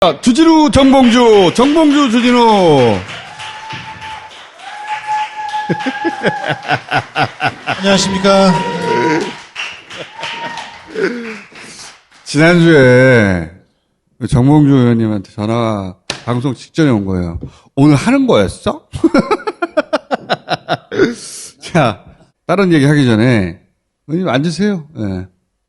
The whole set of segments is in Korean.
주진우 정봉주 주진우. 안녕하십니까. 지난주에 정봉주 의원님한테 전화 방송 직전에 온 거예요. 오늘 하는 거였어? 자, 다른 얘기 하기 전에 의원님 앉으세요. 네.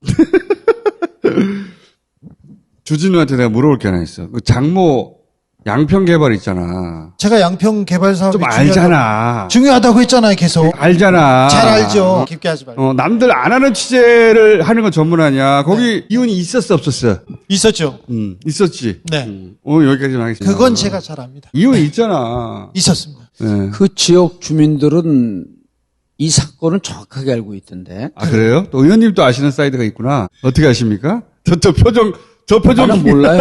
주진우한테 내가 물어볼 게 하나 있어. 그 장모 양평 개발 있잖아. 제가 양평 개발 사업이 좀 알잖아. 중요하다고 했잖아요, 계속. 알잖아. 잘 알죠. 깊게 하지 말고. 남들 안 하는 취재를 하는 건 전문 아니야. 거기 이혼이 있었어, 없었어? 있었죠. 있었지. 네. 오늘 여기까지만 하겠습니다. 그건 제가 잘 압니다. 이혼이 있잖아. 있었습니다. 네. 그 지역 주민들은 이 사건을 정확하게 알고 있던데. 아, 그래요? 또 의원님도 아시는 사이드가 있구나. 어떻게 아십니까? 저 표정. 나는 몰라요.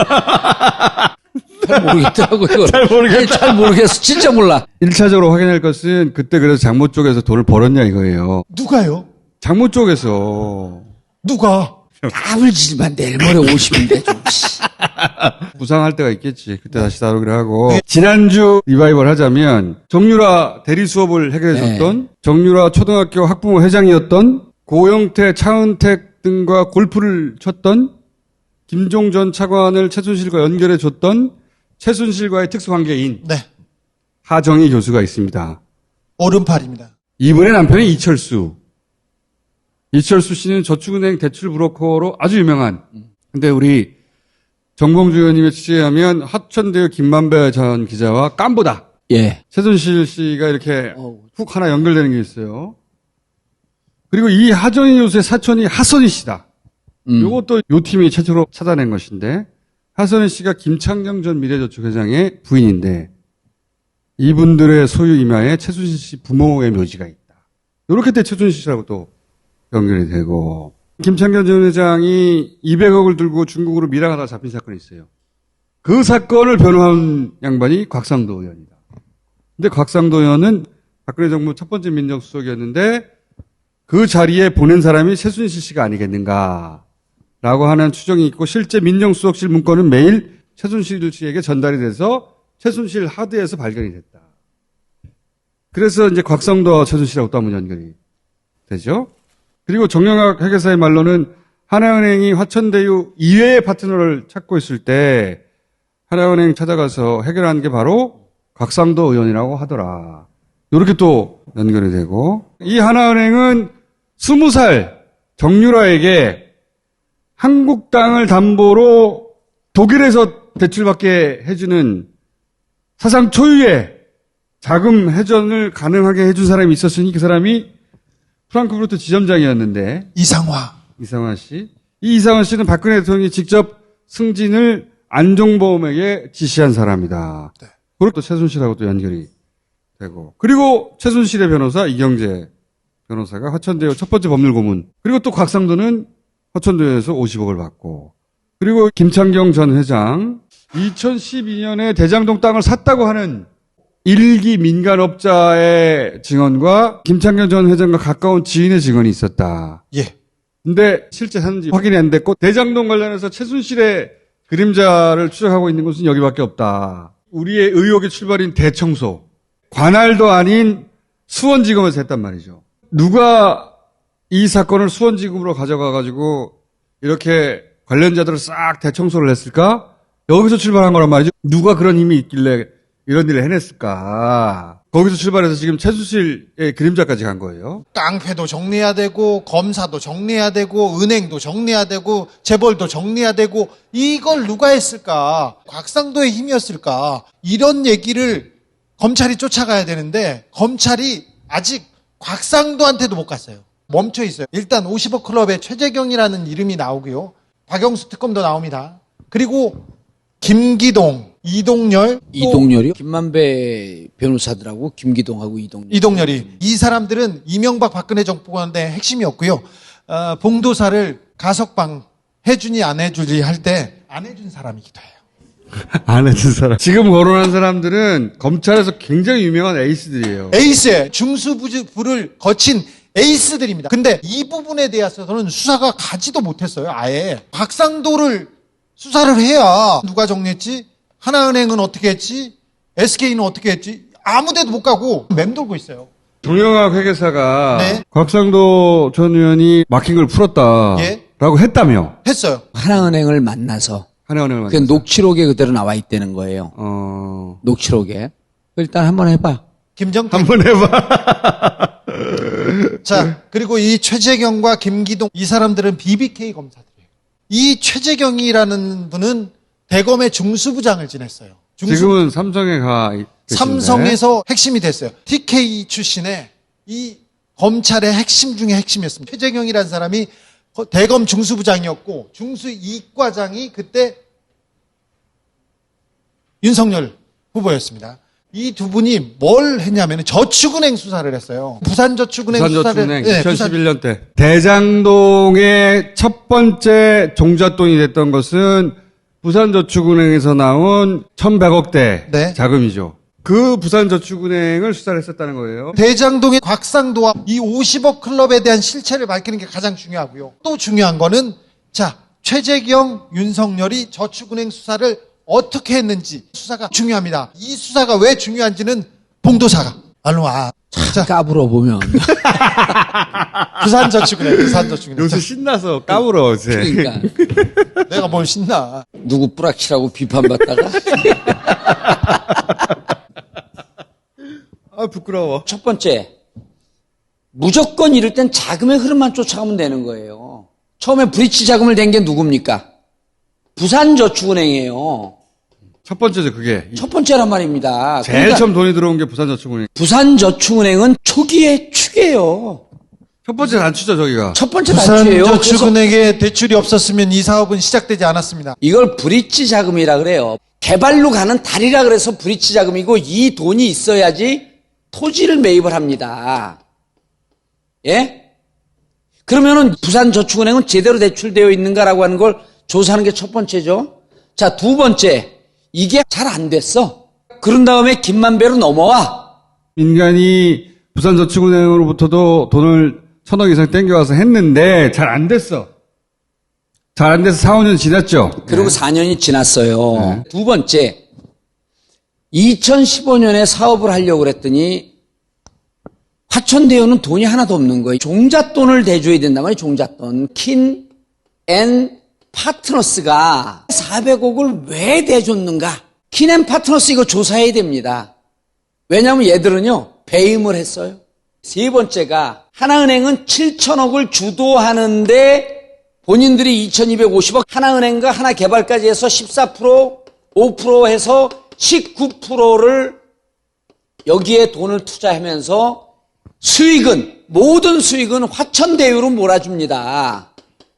잘 모르겠더라고요. 잘 모르겠다. 아니, 잘 모르겠어. 진짜 몰라. 1차적으로 확인할 것은 그때 그래서 장모 쪽에서 돈을 벌었냐 이거예요. 누가요? 장모 쪽에서. 누가? 까불지만 내일 모레 50인데 좀. 부상할 때가 있겠지. 그때 다시 다루기로 하고. 지난주 리바이벌 하자면 정유라 대리 수업을 해결해줬던 정유라 초등학교 학부모 회장이었던 고영태, 차은택 등과 골프를 쳤던 김종전 차관을 최순실과 연결해줬던 최순실과의 특수관계인 네. 하정희 교수가 있습니다. 오른팔입니다. 이분의 남편이 이철수 씨는 저축은행 대출 브로커로 아주 유명한. 근데 우리 정봉주 의원님의 취재에 하면 하천대유 김만배 전 기자와 깜보다. 예. 최순실 씨가 이렇게 훅 하나 연결되는 게 있어요. 그리고 이 하정희 교수의 사촌이 하선희 씨다. 요것도 요 팀이 최초로 찾아낸 것인데, 하선희 씨가 김창경 전 미래저축회장의 부인인데, 이분들의 소유 이마에 최순실 씨 부모의 묘지가 있다. 요렇게 때 최순실 씨라고 또 연결이 되고, 김창경 전 회장이 200억을 들고 중국으로 밀항하다가 잡힌 사건이 있어요. 그 사건을 변호한 양반이 곽상도 의원이다. 근데 곽상도 의원은 박근혜 정부 첫 번째 민정수석이었는데, 그 자리에 보낸 사람이 최순실 씨가 아니겠는가. 라고 하는 추정이 있고, 실제 민정수석실 문건은 매일 최순실 씨에게 전달이 돼서 최순실 하드에서 발견이 됐다. 그래서 이제 곽성도 최순실하고 또 한번 연결이 되죠. 그리고 정영학 회계사의 말로는 하나은행이 화천대유 이외의 파트너를 찾고 있을 때 하나은행 찾아가서 해결한 게 바로 곽상도 의원이라고 하더라. 이렇게 또 연결이 되고, 이 하나은행은 20살 정유라에게 한국 땅을 담보로 독일에서 대출받게 해주는 사상 초유의 자금 회전을 가능하게 해준 사람이 있었으니 그 사람이 프랑크푸르트 지점장이었는데 이상화 씨. 이 이상화 씨는 박근혜 대통령이 직접 승진을 안종범에게 지시한 사람이다. 네. 그리고 또 최순실하고 또 연결이 되고, 그리고 최순실의 변호사 이경재 변호사가 화천대유 첫 번째 법률 고문, 그리고 또 곽상도는 화천대유에서 50억을 받고, 그리고 김창경 전 회장 2012년에 대장동 땅을 샀다고 하는 일기 민간업자의 증언과 김창경 전 회장과 가까운 지인의 증언이 있었다. 예. 근데 실제 샀는지 확인이 안 됐고, 대장동 관련해서 최순실의 그림자를 추적하고 있는 곳은 여기밖에 없다. 우리의 의혹의 출발인 대청소, 관할도 아닌 수원지검에서 했단 말이죠. 누가 이 사건을 수원지검으로 가져가가지고 이렇게 관련자들을 싹 대청소를 했을까? 여기서 출발한 거란 말이죠. 누가 그런 힘이 있길래 이런 일을 해냈을까? 거기서 출발해서 지금 최순실의 그림자까지 간 거예요. 깡패도 정리해야 되고, 검사도 정리해야 되고, 은행도 정리해야 되고, 재벌도 정리해야 되고, 이걸 누가 했을까? 곽상도의 힘이었을까? 이런 얘기를 검찰이 쫓아가야 되는데, 검찰이 아직 곽상도한테도 못 갔어요. 멈춰 있어요. 일단 50억 클럽에 최재경이라는 이름이 나오고요. 박영수 특검도 나옵니다. 그리고 김기동, 이동열이요? 김만배 변호사들하고 김기동하고 이동열이. 이 사람들은 이명박 박근혜 정부관의 핵심이었고요. 봉도사를 가석방 해주니 안 해주니 할 때 안 해준 사람이기도 해요. 안 해준 사람. 지금 거론한 사람들은 검찰에서 굉장히 유명한 에이스들이에요. 에이스에 중수부를 거친 에이스들입니다. 근데 이 부분에 대해서는 수사가 가지도 못했어요. 아예. 곽상도를 수사를 해야 누가 정리했지? 하나은행은 어떻게 했지? SK는 어떻게 했지? 아무 데도 못 가고 맴돌고 있어요. 동영학 회계사가 네. 곽상도 전 의원이 막힌 걸 풀었다라고 예. 했다며. 했어요. 하나은행을 만나서 하나은행을 그 녹취록에 그대로 나와 있다는 거예요. 녹취록에. 일단 한번 해봐. 김정태. 한번 해봐. 자, 그리고 이 최재경과 김기동 이 사람들은 BBK 검사들이에요. 이 최재경이라는 분은 대검의 중수부장을 지냈어요. 지금은 삼성에 가 계신데. 삼성에서 핵심이 됐어요. TK 출신의 이 검찰의 핵심 중에 핵심이었습니다. 최재경이라는 사람이 대검 중수부장이었고 중수 이과장이 그때 윤석열 후보였습니다. 이 두 분이 뭘 했냐면 저축은행 수사를 했어요. 부산저축은행 수사를. 2011년 때. 대장동의 첫 번째 종잣돈이 됐던 것은 부산저축은행에서 나온 1,100억대 네. 자금이죠. 그 부산저축은행을 수사를 했었다는 거예요. 대장동의 곽상도와 이 50억 클럽에 대한 실체를 밝히는 게 가장 중요하고요. 또 중요한 거는 자, 최재경, 윤석열이 저축은행 수사를 어떻게 했는지 수사가 중요합니다. 이 수사가 왜 중요한지는 봉도사가 얼른 와. 자, 까불어 보면. 부산저축은행. 요새 신나서 까불어, 어제. 그러니까. 내가 뭘 신나. 누구 뿌락치라고 비판받다가. 아, 부끄러워. 첫 번째, 무조건 이럴 땐 자금의 흐름만 쫓아가면 되는 거예요. 처음에 브릿지 자금을 댄 게 누굽니까? 부산저축은행이에요. 첫 번째죠, 그게. 첫 번째란 말입니다. 제일 그러니까 처음 돈이 들어온 게 부산저축은행. 부산저축은행은 초기의 축이에요. 첫 번째 단추죠, 저기가. 첫 번째 단추예요. 그래서 부산저축은행에 대출이 없었으면 이 사업은 시작되지 않았습니다. 이걸 브릿지 자금이라 그래요. 개발로 가는 다리라 그래서 브릿지 자금이고 이 돈이 있어야지 토지를 매입을 합니다. 예? 그러면은 부산저축은행은 제대로 대출되어 있는가라고 하는 걸 조사하는 게 첫 번째죠. 자, 두 번째. 이게 잘 안 됐어. 그런 다음에 김만배로 넘어와. 민간이 부산저축은행으로부터도 돈을 1,000억 이상 땡겨와서 했는데 잘 안 됐어. 잘 안 돼서 4, 5년 지났죠. 그리고 4년이 지났어요. 두 번째. 2015년에 사업을 하려고 그랬더니 화천대유는 돈이 하나도 없는 거예요. 종잣돈을 대줘야 된단 말이에요. 종잣돈. 킨 앤 파트너스가 400억을 왜 대줬는가? 킨 앤 파트너스 이거 조사해야 됩니다. 왜냐하면 얘들은요. 배임을 했어요. 세 번째가 하나은행은 7천억을 주도하는데 본인들이 2,250억, 하나은행과 하나개발까지 해서 14%, 5% 해서 19%를 여기에 돈을 투자하면서 수익은, 모든 수익은 화천대유로 몰아줍니다.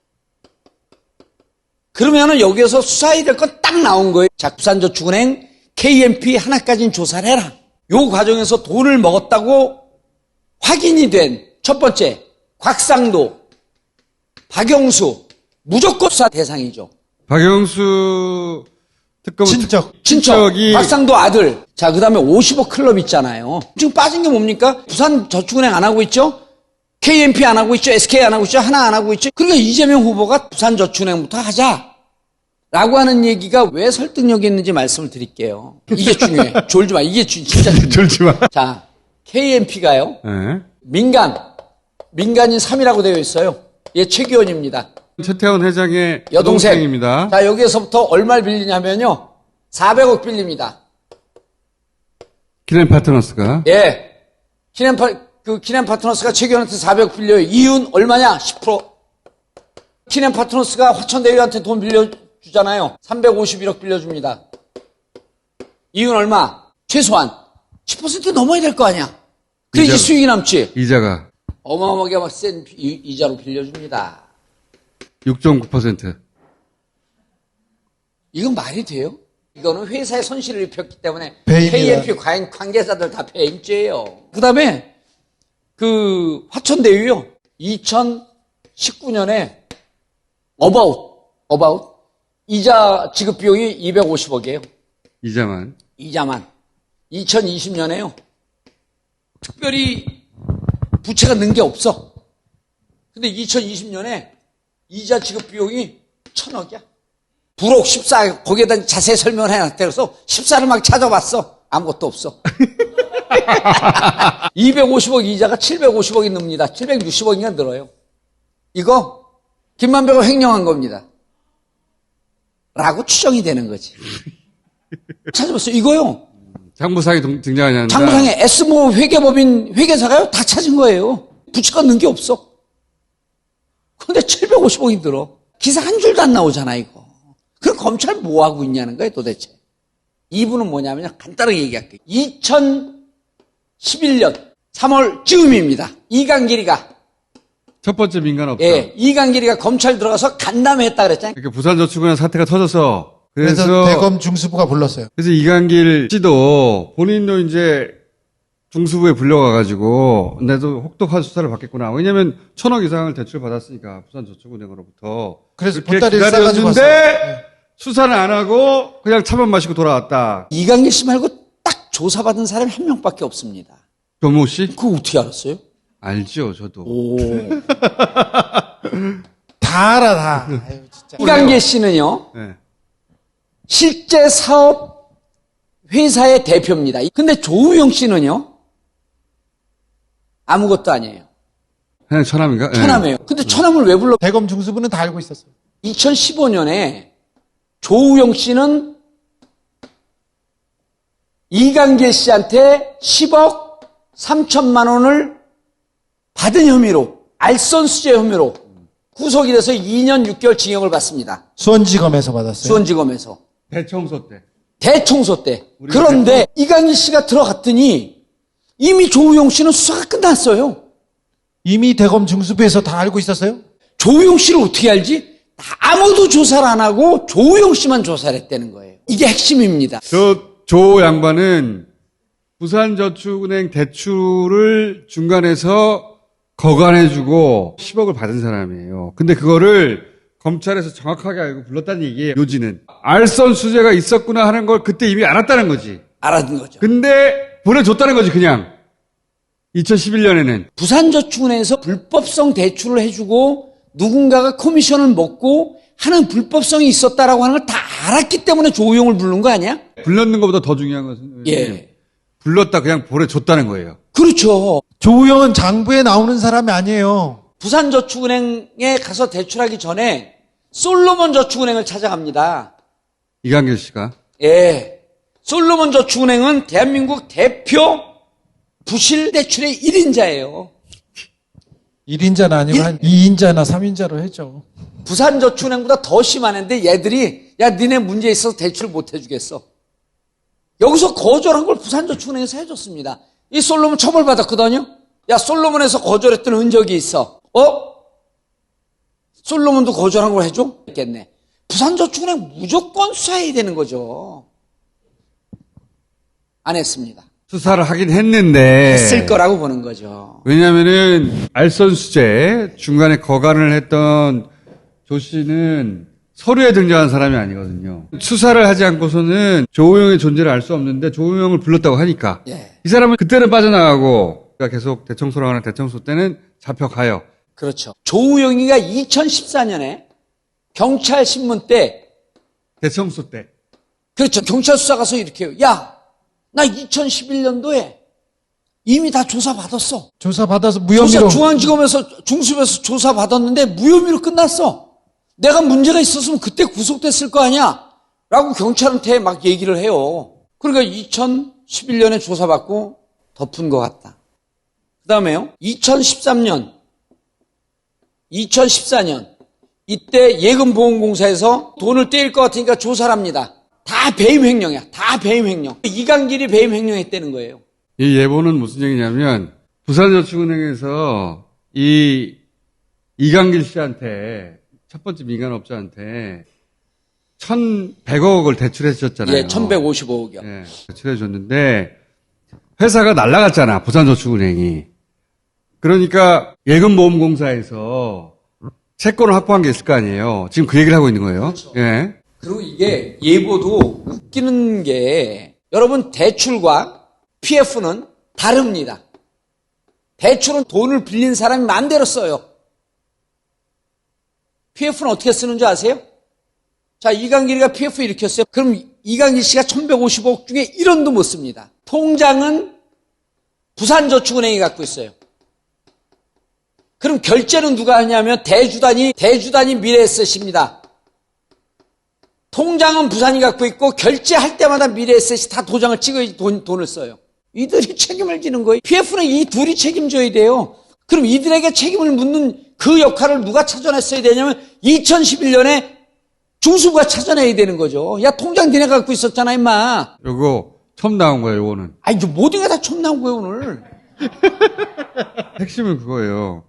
그러면은 여기에서 수사해야 될 건 딱 나온 거예요. 자, 부산저축은행, KMP 하나까지는 조사를 해라. 요 과정에서 돈을 먹었다고 확인이 된 첫 번째, 곽상도, 박영수, 무조건 수사 대상이죠. 박영수 특검 친척이 곽상도 아들. 자, 그 다음에 50억 클럽 있잖아요. 지금 빠진 게 뭡니까? 부산저축은행 안 하고 있죠? KMP 안 하고 있죠? SK 안 하고 있죠? 하나 안 하고 있죠? 그러니까 이재명 후보가 부산저축은행부터 하자. 라고 하는 얘기가 왜 설득력이 있는지 말씀을 드릴게요. 이게 중요해. 졸지 마. 이게 진짜 중요해. 졸지 마. 자, KMP가요. 네. 민간인 3이라고 되어 있어요. 얘 최기원입니다. 최태원 회장의 여동생. 여동생입니다. 자, 여기에서부터 얼마를 빌리냐면요. 400억 빌립니다. 키넨 파트너스가. 예. 키넨 파트너스가 최기원한테 400억 빌려요. 이윤 얼마냐? 10%. 키넨 파트너스가 화천대유한테 돈 빌려주잖아요. 351억 빌려줍니다. 이윤 얼마? 최소한 10% 넘어야 될 거 아니야. 그래야지 수익이 남지. 이자가. 어마어마하게 막 센 이자로 빌려줍니다. 6.9%. 이건 말이 돼요? 이거는 회사의 손실을 입혔기 때문에 배임이야. KMP 관계자들 다 배임죄예요. 그 다음에 그 화천대유요. 2019년에 어바웃 이자 지급 비용이 250억이에요. 이자만. 2020년에요. 특별히 부채가 는 게 없어. 근데 2020년에 이자 지급 비용이 1,000억이야. 부록 14 거기에다 자세히 설명을 해놨대. 그래서 14를 막 찾아봤어. 아무것도 없어. 250억 이자가 750억이 늡니다. 760억인가 늘어요. 이거 김만배가 횡령한 겁니다. 라고 추정이 되는 거지. 찾아봤어요. 이거요. 장부상이 등장하지 않는다. 장부상에 S모 회계법인 회계사가요 다 찾은 거예요. 부채가 넣은 게 없어. 근데 750억이 들어. 기사 한 줄도 안 나오잖아 이거. 그럼 검찰 뭐 하고 있냐는 거예요 도대체. 이분은 뭐냐면요. 간단하게 얘기할게요. 2011년 3월 즈음입니다. 이강길이가 첫 번째 민간업자. 예, 이강길이가 검찰 들어가서 간담회했다 그랬잖아요. 그러니까 부산저축은행 사태가 터져서 그래서 대검 중수부가 불렀어요. 그래서 이강길 씨도 본인도 이제 중수부에 불려가가지고 나도 혹독한 수사를 받겠구나. 왜냐하면 1,000억 이상을 대출 받았으니까 부산저축은행으로부터. 그래서 그렇게 보따리를 싸가지고 기다렸는데 왔어요. 네. 수사는 안 하고 그냥 차만 마시고 돌아왔다. 이강길 씨 말고 딱 조사받은 사람이 한 명밖에 없습니다. 조모 씨? 그거 어떻게 알았어요? 알죠, 저도. 오. 다 알아 다. 아유, 진짜. 이강길 씨는요. 네. 실제 사업 회사의 대표입니다. 근데 조우영 씨는요. 아무것도 아니에요. 그냥 처남인가? 네. 처남이에요. 근데 처남을 왜 불러? 대검 중수부는 다 알고 있었어요. 2015년에 조우영 씨는 이강길 씨한테 10억 3천만 원을 받은 혐의로 알선수재 혐의로 구속이 돼서 2년 6개월 징역을 받습니다. 수원지검에서 받았어요. 수원지검에서. 대청소 때. 대청소 때. 그런데 이강길 씨가 들어갔더니 이미 조우영 씨는 수사가 끝났어요. 이미 대검 중수부에서 다 알고 있었어요? 조우영 씨를 어떻게 알지? 아무도 조사를 안 하고 조우영 씨만 조사를 했다는 거예요. 이게 핵심입니다. 조 양반은 부산저축은행 대출을 중간에서 거간해주고 10억을 받은 사람이에요. 근데 그거를 검찰에서 정확하게 알고 불렀다는 얘기예요. 요지는. 알선 수재가 있었구나 하는 걸 그때 이미 알았다는 거지. 알아듣는 거죠. 근데 보내줬다는 거지 그냥. 2011년에는. 부산저축은행에서 불법성 대출을 해주고 누군가가 코미션을 먹고 하는 불법성이 있었다라고 하는 걸 다 알았기 때문에 조우영을 부른 거 아니야? 불렀는 것보다 더 중요한 것은 예. 불렀다 그냥 보내줬다는 거예요. 그렇죠. 조우영은 장부에 나오는 사람이 아니에요. 부산저축은행에 가서 대출하기 전에 솔로몬저축은행을 찾아갑니다. 이강길 씨가. 예. 솔로몬저축은행은 대한민국 대표 부실 대출의 1인자예요. 1인자는 아니고 한 2인자나 3인자로 했죠. 부산저축은행보다 더 심하는데 얘들이 야 니네 문제 있어서 대출 못 해주겠어. 여기서 거절한 걸 부산저축은행에서 해줬습니다. 이 솔로몬 처벌받았거든요. 야 솔로몬에서 거절했던 흔적이 있어. 솔로몬도 거절한 걸 해줘? 있겠네. 부산저축은행 무조건 수사해야 되는 거죠. 안 했습니다. 수사를 하긴 했는데. 했을 거라고 보는 거죠. 왜냐면은 알선수재 중간에 거간을 했던 조 씨는 서류에 등장한 사람이 아니거든요. 수사를 하지 않고서는 조우영의 존재를 알 수 없는데 조우영을 불렀다고 하니까. 예. 이 사람은 그때는 빠져나가고 계속 대청소를 하는 대청소 때는 잡혀가요. 그렇죠. 조우영이가 2014년에 경찰 신문 때 대청소 때. 그렇죠. 경찰 수사 가서 이렇게 해요. 야, 나 2011년도에 이미 다 조사받았어. 조사받아서 무혐의로. 중앙지검에서 중수부에서 조사받았는데 무혐의로 끝났어. 내가 문제가 있었으면 그때 구속됐을 거 아니야. 라고 경찰한테 막 얘기를 해요. 그러니까 2011년에 조사받고 덮은 것 같다. 그 다음에요. 2014년 이때 예금보험공사에서 돈을 떼일 것 같으니까 조사를 합니다. 다 배임 횡령이야. 다 배임 횡령. 이강길이 배임 횡령했다는 거예요. 이 예보는 무슨 얘기냐면 부산저축은행에서 이 이강길 씨한테 첫 번째 민간업자한테 1,100억을 대출해 줬잖아요. 예, 1,155억이요. 예, 대출해 줬는데 회사가 날라갔잖아. 부산저축은행이. 그러니까 예금보험공사에서 채권을 확보한 게 있을 거 아니에요. 지금 그 얘기를 하고 있는 거예요. 그렇죠. 예. 그리고 이게 예보도 웃기는 게 여러분 대출과 PF는 다릅니다. 대출은 돈을 빌린 사람이 마음대로 써요. PF는 어떻게 쓰는 줄 아세요? 자, 이강길이가 PF 일으켰어요. 그럼 이강길 씨가 1150억 중에 1원도 못 씁니다. 통장은 부산저축은행이 갖고 있어요. 그럼 결제는 누가 하냐면 대주단이 미래에셋입니다. 통장은 부산이 갖고 있고 결제할 때마다 미래에셋이 다 도장을 찍어야지 돈을 써요. 이들이 책임을 지는 거예요. PF는 이 둘이 책임져야 돼요. 그럼 이들에게 책임을 묻는 그 역할을 누가 찾아냈어야 되냐면 2011년에 중수부가 찾아내야 되는 거죠. 야, 통장 니네가 갖고 있었잖아, 임마. 요거 처음 나온 거예요, 요거는. 아니, 모든 게 다 처음 나온 거예요, 오늘. 핵심은 그거예요.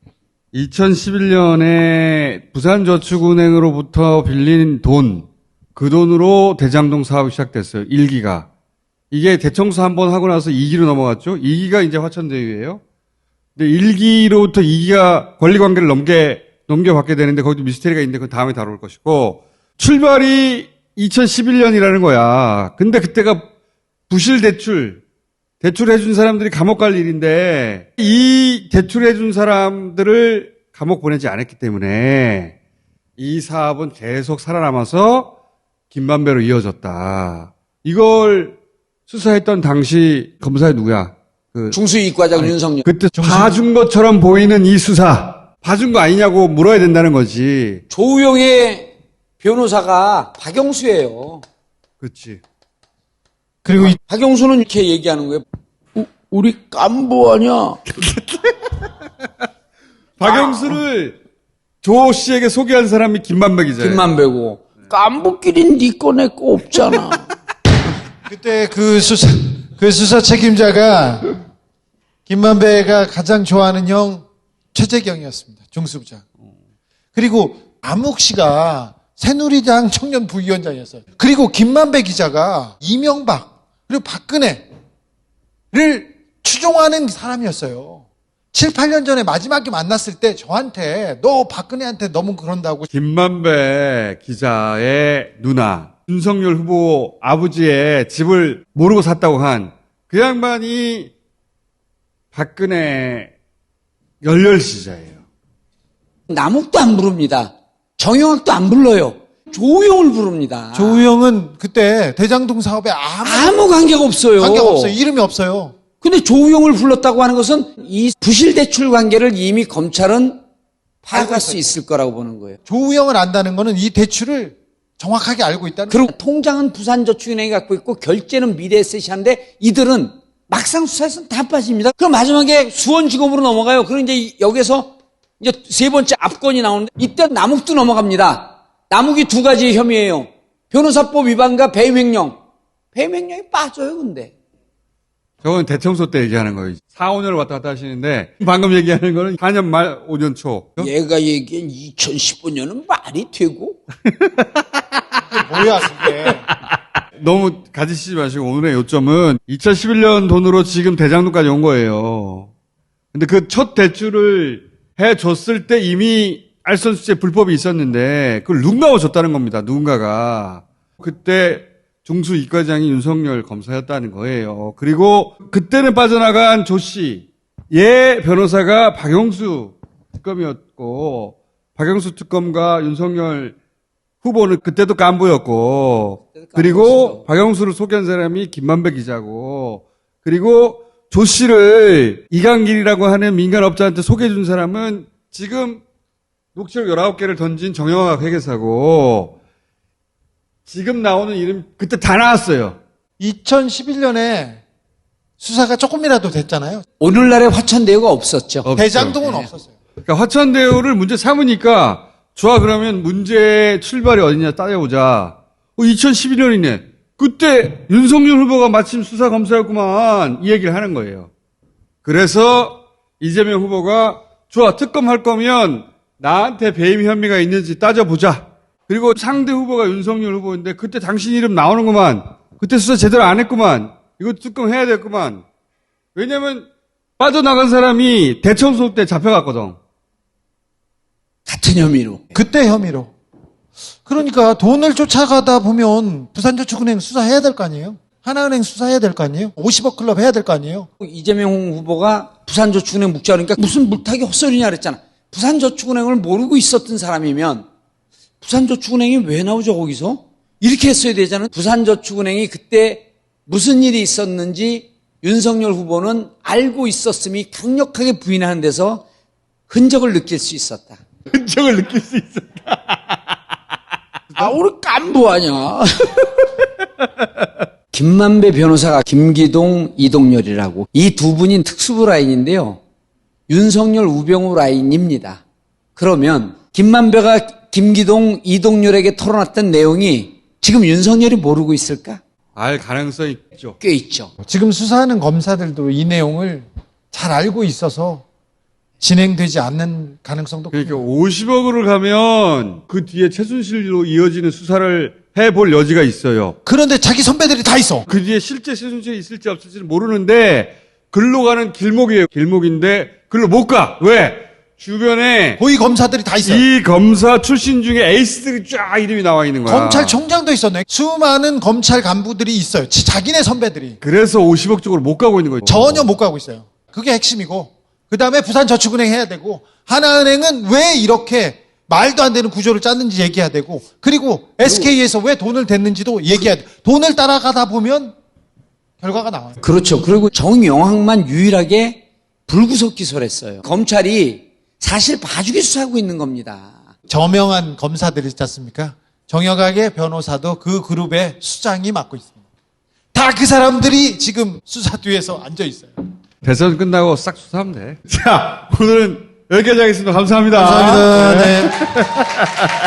2011년에 부산저축은행으로부터 빌린 돈, 그 돈으로 대장동 사업이 시작됐어요. 1기가. 이게 대청소 한번 하고 나서 2기로 넘어갔죠. 2기가 이제 화천대유예요. 근데 1기로부터 2기가 권리관계를 넘겨받게 되는데 거기도 미스테리가 있는데 그건 다음에 다룰 것이고, 출발이 2011년이라는 거야. 근데 그때가 부실 대출해준 사람들이 감옥 갈 일인데, 이 대출해준 사람들을 감옥 보내지 않았기 때문에 이 사업은 계속 살아남아서 김만배로 이어졌다. 이걸 수사했던 당시 검사의 누구야? 중수이익과장 윤석열. 그때 봐준 것처럼 보이는 이 수사. 봐준 거 아니냐고 물어야 된다는 거지. 조우영의 변호사가 박영수예요. 그렇지. 그리고 박영수는 이렇게 얘기하는 거예요. 우리 깐부 아니야? 박영수를 조 씨에게 소개한 사람이 김만배 기자예요. 김만배고. 깐부끼린 니 거 내 거 없잖아. 그때 그 수사 책임자가 김만배가 가장 좋아하는 형 최재경이었습니다. 중수부장. 그리고 암욱 씨가 새누리당 청년 부위원장이었어요. 그리고 김만배 기자가 이명박 그리고 박근혜를 추종하는 사람이었어요. 7, 8년 전에 마지막에 만났을 때 저한테 너 박근혜한테 너무 그런다고. 김만배 기자의 누나 윤석열 후보 아버지의 집을 모르고 샀다고 한 그 양반이 박근혜 열렬시자예요. 남욱도 안 부릅니다. 정영학도 안 불러요. 조우영을 부릅니다. 조우영은 그때 대장동 사업에 아무 관계가 없어요. 관계가 없어요. 이름이 없어요. 근데 조우영을 불렀다고 하는 것은 이 부실 대출 관계를 이미 검찰은 파악할 수 있을 거라고 보는 거예요. 조우영을 안다는 거는 이 대출을 정확하게 알고 있다는 그리고 통장은 부산저축은행이 갖고 있고 결제는 미래에셋이 하는데 이들은 막상 수사에서는 다 빠집니다. 그럼 마지막에 수원지검으로 넘어가요. 그럼 이제 여기서 이제 세 번째 압권이 나오는데 이때 남욱도 넘어갑니다. 남욱이 두 가지 혐의예요. 변호사법 위반과 배임 횡령. 배임 횡령이 빠져요, 근데. 저건 대청소 때 얘기하는 거예요. 4, 5년을 왔다 갔다 하시는데 방금 얘기하는 거는 4년 말 5년 초. 얘가 얘기한 2015년은 말이 되고? 뭐야 그게. 너무 가지시지 마시고 오늘의 요점은 2011년 돈으로 지금 대장동까지 온 거예요. 근데 그 첫 대출을 해줬을 때 이미 알선수재 불법이 있었는데 그걸 누군가가 줬다는 겁니다. 누군가가. 그때 중수이과장이 윤석열 검사였다는 거예요. 그리고 그때는 빠져나간 조 씨, 얘 변호사가 박영수 특검이었고 박영수 특검과 윤석열 후보는 그때도 깐부였고 그리고 박영수를 소개한 사람이 김만배 기자고 그리고 조 씨를 이강길이라고 하는 민간업자한테 소개해준 사람은 지금 녹취록 19개를 던진 정영학 회계사고 지금 나오는 이름 그때 다 나왔어요. 2011년에 수사가 조금이라도 됐잖아요. 오늘날의 화천대유가 없었죠. 없죠. 대장동은 없었어요. 그러니까 화천대유를 문제 삼으니까 좋아 그러면 문제의 출발이 어디냐 따져보자. 2011년이네. 그때 윤석열 후보가 마침 수사검사였구만 이 얘기를 하는 거예요. 그래서 이재명 후보가 좋아 특검할 거면 나한테 배임 혐의가 있는지 따져보자. 그리고 상대 후보가 윤석열 후보인데 그때 당신 이름 나오는구만. 그때 수사 제대로 안 했구만. 이거 특검해야 됐구만. 왜냐면 빠져나간 사람이 대청소 때 잡혀갔거든. 같은 혐의로. 그때 혐의로. 그러니까 돈을 쫓아가다 보면 부산저축은행 수사해야 될 거 아니에요? 하나은행 수사해야 될 거 아니에요? 50억 클럽 해야 될 거 아니에요? 이재명 후보가 부산저축은행 묵자 그러니까 무슨 물타기 헛소리냐 그랬잖아. 부산저축은행을 모르고 있었던 사람이면 부산저축은행이 왜 나오죠, 거기서? 이렇게 했어야 되잖아요. 부산저축은행이 그때 무슨 일이 있었는지 윤석열 후보는 알고 있었음이 강력하게 부인하는 데서 흔적을 느낄 수 있었다. 흔적을 느낄 수 있었다. 우리 깐부하냐. 김만배 변호사가 김기동, 이동열이라고 이 두 분이 특수부 라인인데요. 윤석열, 우병우 라인입니다. 그러면 김만배가 김기동, 이동열에게 털어놨던 내용이 지금 윤석열이 모르고 있을까? 알 가능성이 있죠. 꽤 있죠. 지금 수사하는 검사들도 이 내용을 잘 알고 있어서 진행되지 않는 가능성도 그러니까 50억으로 가면 그 뒤에 최순실로 이어지는 수사를 해볼 여지가 있어요. 그런데 자기 선배들이 다 있어. 그 뒤에 실제 최순실이 있을지 없을지는 모르는데 글로 가는 길목이에요. 길목인데 글로 못 가. 왜? 주변에 고위 검사들이 다 있어요. 이 검사 출신 중에 에이스들이 쫙 이름이 나와 있는 거야. 검찰총장도 있었네. 수많은 검찰 간부들이 있어요. 자기네 선배들이. 그래서 50억 쪽으로 못 가고 있는 거예요. 전혀 못 가고 있어요. 그게 핵심이고. 그 다음에 부산저축은행 해야 되고, 하나은행은 왜 이렇게 말도 안 되는 구조를 짰는지 얘기해야 되고, 그리고 SK에서 왜 돈을 댔는지도 얘기해야 돼. 돈을 따라가다 보면 결과가 나와요. 그렇죠. 그리고 정영학만 유일하게 불구속 기소를 했어요. 검찰이 사실 봐주기 수사하고 있는 겁니다. 저명한 검사들이 있지 않습니까? 정혁학의 변호사도 그 그룹의 수장이 맡고 있습니다. 다 그 사람들이 지금 수사 뒤에서 앉아 있어요. 대선 끝나고 싹 수사하면 돼. 자, 오늘은 여기까지 하겠습니다. 감사합니다. 감사합니다. 네.